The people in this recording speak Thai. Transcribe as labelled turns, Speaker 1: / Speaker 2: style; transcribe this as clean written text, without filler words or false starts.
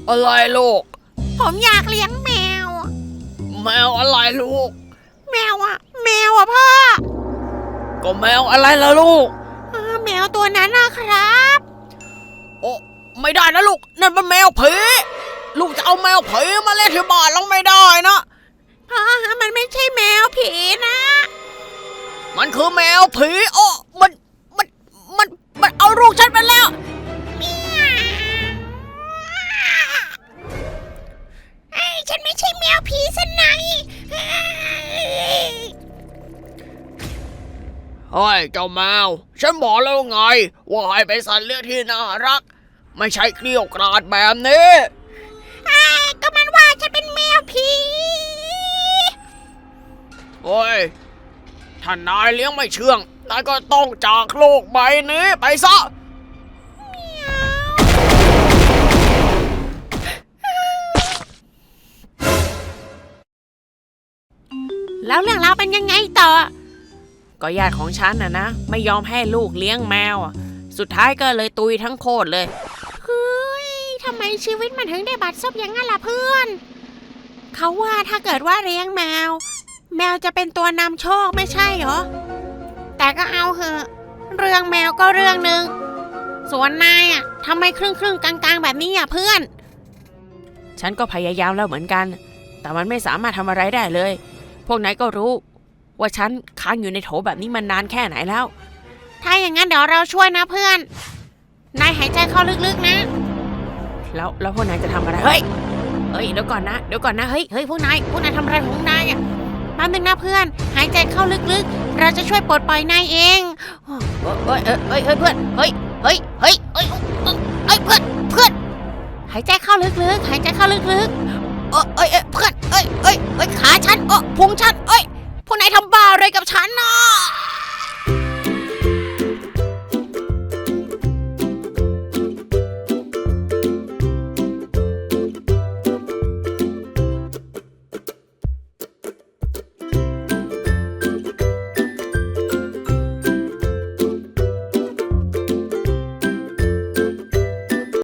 Speaker 1: อะไรลูก
Speaker 2: ผมอยากเลี้ยงแมว
Speaker 1: แมวอะไรลูก
Speaker 2: แมวพ่อ
Speaker 1: ก็แมวอะไรล่ะลูก
Speaker 2: แมวตัวนั้นนะครับ
Speaker 1: โอ้ไม่ได้นะลูกนั่นมันแมวผีลูกจะเอาแมวผีมาเล่นที่บ้านเราไม่ได้นะ
Speaker 2: พ่อมันไม่ใช่แมวผีนะ
Speaker 1: มันคือแมวผีโอ้มันเอาลูกฉันไปแล้ว
Speaker 2: ฉันไม่ใช่แมวผีซะหน่อย
Speaker 1: เฮ้ยเจ้าแมวฉันบอกแล้วไงว่าให้เป็นสัตว์เลี้ยงที่น่ารักไม่ใช่เกลี้ยวกราดแบบนี้
Speaker 2: ก็มันว่าฉันเป็นแมวผี
Speaker 1: โอ้ยถ้านายเลี้ยงไม่เชื่องนายก็ต้องจากโลกใบนี้ไปซะ
Speaker 2: แล้วเรื่องราวเป็นยังไงต่อ
Speaker 1: ก็ญาติของฉันนะไม่ยอมให้ลูกเลี้ยงแมวสุดท้ายก็เลยตุยทั้งโคตรเลย
Speaker 2: เฮ้ยทำไมชีวิตมันถึงได้บัดซบอย่างนั้นล่ะเพื่อนเขาว่าถ้าเกิดว่าเลี้ยงแมวจะเป็นตัวนำโชคไม่ใช่เหรอแต่ก็เอาเหอะเรื่องแมวก็เรื่องนึงส่วนนายทำไมครึ่งกลางๆแบบนี้เพื่อน
Speaker 1: ฉันก็พยายามแล้วเหมือนกันแต่มันไม่สามารถทำอะไรได้เลยพวกนายก็รู้ว่าฉันค้างอยู่ในโถแบบนี้มันนานแค่ไหนแล้ว
Speaker 2: ถ้าอย่างนั้นเดี๋ยวเราช่วยนะเพื่อนนายหายใจเข้าลึกๆนะ
Speaker 1: แล้วพวกนายจะทำอะไรเฮ้ยเดี๋ยวก่อนนะเฮ้ยพวกนายทำอะไรของนาย
Speaker 2: แป๊บนึงนะเพื่อนหายใจเข้าลึกๆเราจะช่วยปลดปล่อยนายเอง
Speaker 1: เพื่อนเฮ้ยเพื่อน
Speaker 2: หายใจเข้าลึกๆหายใจเข้าลึก
Speaker 1: ๆเพื่อนขาฉันพุงฉันพวกนายทำบ้าอะไรกับฉันน่ะ